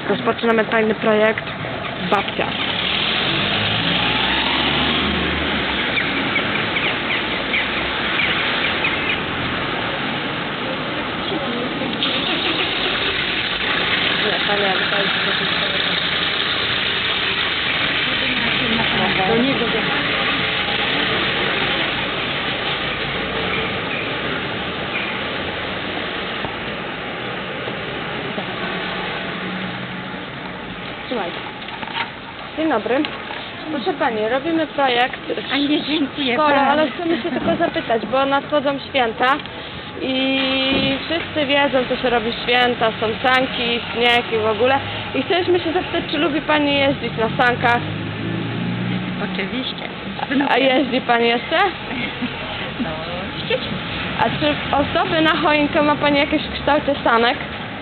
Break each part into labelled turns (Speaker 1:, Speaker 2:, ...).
Speaker 1: Rozpoczynamy fajny projekt Babcia. Do niego. Słuchaj. Dzień dobry. Proszę Pani, robimy projekt
Speaker 2: A nie, dziękuję
Speaker 1: w szkole,
Speaker 2: bardzo.
Speaker 1: ale chcemy się tylko zapytać, bo nadchodzą święta i wszyscy wiedzą, co się robi w święta, są sanki, śnieg i w ogóle. I chcieliśmy się zapytać, czy lubi Pani jeździć na sankach?
Speaker 2: Oczywiście.
Speaker 1: A jeździ Pani jeszcze?
Speaker 2: No, z dziećmi.
Speaker 1: A czy ozdoby na choinkę ma Pani jakieś w kształcie sanek?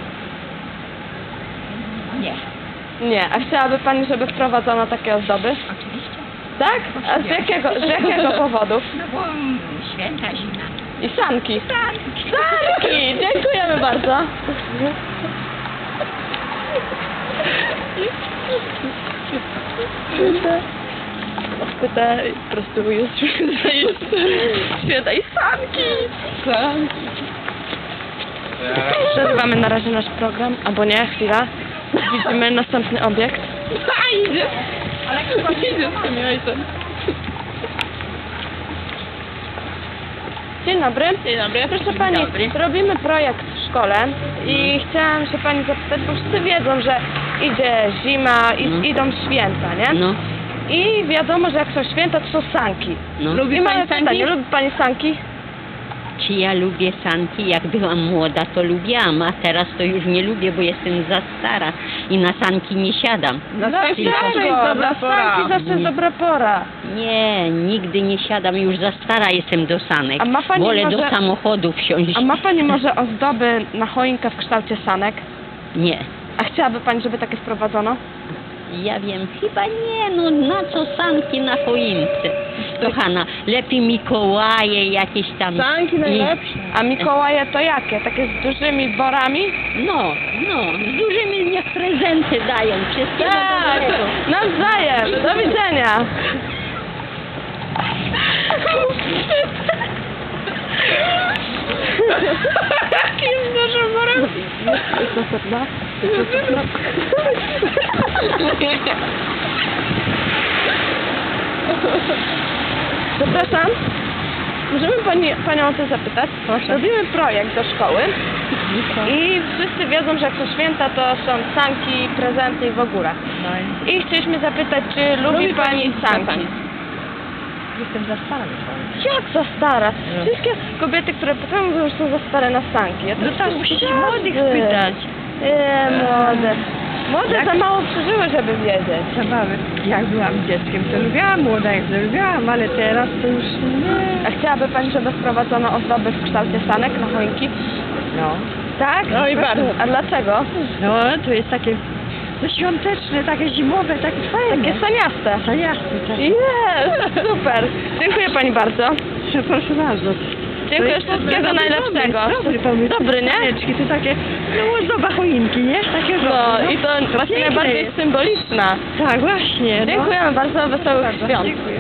Speaker 2: Nie.
Speaker 1: Nie. A chciałaby Pani, żeby wprowadzono takie ozdoby?
Speaker 2: Oczywiście.
Speaker 1: Tak? A z jakiego powodu?
Speaker 2: No bo święta, zima.
Speaker 1: I sanki.
Speaker 2: Sanki.
Speaker 1: Sanki! Dziękujemy bardzo. Pyta, po prostu jest święta i sanki! Sanki. Przerywamy na razie nasz program, albo nie, chwila. Widzimy następny obiekt. Idzie! Ale chyba idzie z tym ojcem. Dzień dobry.
Speaker 2: Dzień dobry.
Speaker 1: Proszę
Speaker 2: Dzień
Speaker 1: Pani,
Speaker 2: dobry.
Speaker 1: robimy projekt w szkole i chciałam się Pani zapytać, bo wszyscy wiedzą, że idzie zima i idą święta, nie?
Speaker 3: No,
Speaker 1: I wiadomo, że jak są święta, to są sanki.
Speaker 3: no.
Speaker 1: I mamy pytanie, lubi Pani sanki?
Speaker 3: Czy ja lubię sanki? Jak byłam młoda, to lubiłam, a teraz to już nie lubię, bo jestem za stara i na sanki nie siadam.
Speaker 1: Dlaczego? Na sanki zawsze jest
Speaker 3: Nie.
Speaker 1: dobra pora.
Speaker 3: Nie, nigdy nie siadam, już za stara jestem do sanek.
Speaker 1: A ma pani
Speaker 3: Wolę
Speaker 1: może-
Speaker 3: do samochodu wsiąść.
Speaker 1: A ma Pani może ozdoby na choinkę w kształcie sanek?
Speaker 3: Nie.
Speaker 1: A chciałaby Pani, żeby takie wprowadzono?
Speaker 3: Ja wiem, chyba nie, no na co sanki na choince? Kochana, lepiej Mikołaje jakieś tam.
Speaker 1: A Mikołaje to jakie? Takie z dużymi worami?
Speaker 3: No, z dużymi niech prezenty dają. Wszystkiego
Speaker 1: Tak,
Speaker 3: dobrego.
Speaker 1: nawzajem. Do widzenia. Jakim dużym worem? Zapraszam. Możemy Panią o to zapytać?
Speaker 2: Proszę.
Speaker 1: Robimy projekt do szkoły i wszyscy wiedzą, że jak są święta, to są sanki, prezenty i w ogóle.
Speaker 2: No
Speaker 1: I chcieliśmy zapytać, czy lubi Pani sanki?
Speaker 2: jestem za stara już.
Speaker 1: Jak za stara?
Speaker 2: No.
Speaker 1: Wszystkie kobiety, które pytają, mówią, że są za stare na sanki. Ja
Speaker 2: No tak, musicie młodych spytać.
Speaker 1: Młode. Młode za mało przeżyły, żeby wiedzieć.
Speaker 2: Zabawy. Jak byłam dzieckiem, to lubiłam, młoda jak to lubiłam, ale teraz to już nie.
Speaker 1: A chciałaby Pani, żeby wprowadzono ozdoby w kształcie sanek na choinki?
Speaker 2: No.
Speaker 1: Tak?
Speaker 2: No i bardzo.
Speaker 1: A dlaczego?
Speaker 2: No, to jest takie no, świąteczne, takie zimowe, takie fajne.
Speaker 1: Takie saniaste.
Speaker 2: To jasne, tak.
Speaker 1: Jest, super. Dziękuję Pani bardzo.
Speaker 2: Proszę bardzo.
Speaker 1: Dziękuję, wszystkiego najlepszego.
Speaker 2: Dobry pomysł.
Speaker 1: Dobry, nie?
Speaker 2: Saneczki, to takie, no ozdoba choinki, nie? Takie
Speaker 1: No i to właśnie
Speaker 2: piękne
Speaker 1: najbardziej
Speaker 2: jest.
Speaker 1: symboliczna.
Speaker 2: Tak, właśnie. No.
Speaker 1: Dziękujemy bardzo, wesołych
Speaker 2: Bardzo,
Speaker 1: świąt.
Speaker 2: dziękuję.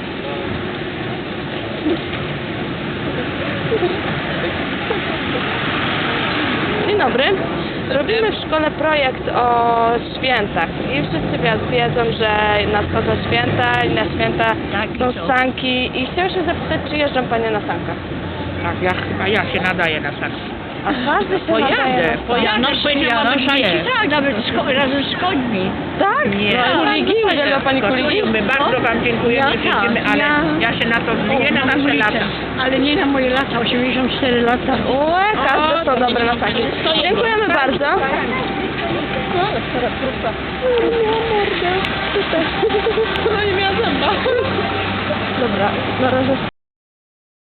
Speaker 1: Dzień dobry. Robimy w szkole projekt o świętach i wszyscy wiedzą, że nadchodzą święta i na święta
Speaker 3: Tak,
Speaker 1: są
Speaker 3: są.
Speaker 1: sanki i chciałam się zapytać, czy jeżdżą Panie na sankach?
Speaker 4: Tak, ja się nadaję na sanki.
Speaker 1: A każdy się nadaje na
Speaker 4: Pojadę, powiedziałam, nie.
Speaker 3: Tak, nawet razem z końmi.
Speaker 1: Tak?
Speaker 4: Nie.
Speaker 1: No, kuligi, uwielbia Pani kuligi?
Speaker 4: My bardzo Wam dziękujemy,
Speaker 1: Ja
Speaker 4: życzymy, ale ja się na to zmienię na nasze lata.
Speaker 2: Ale nie na moje lata, 84 lata.
Speaker 1: Ue, każde są dobre na sanki. Dziękujemy bardzo. No nie miała zęba. Dobra, na razie.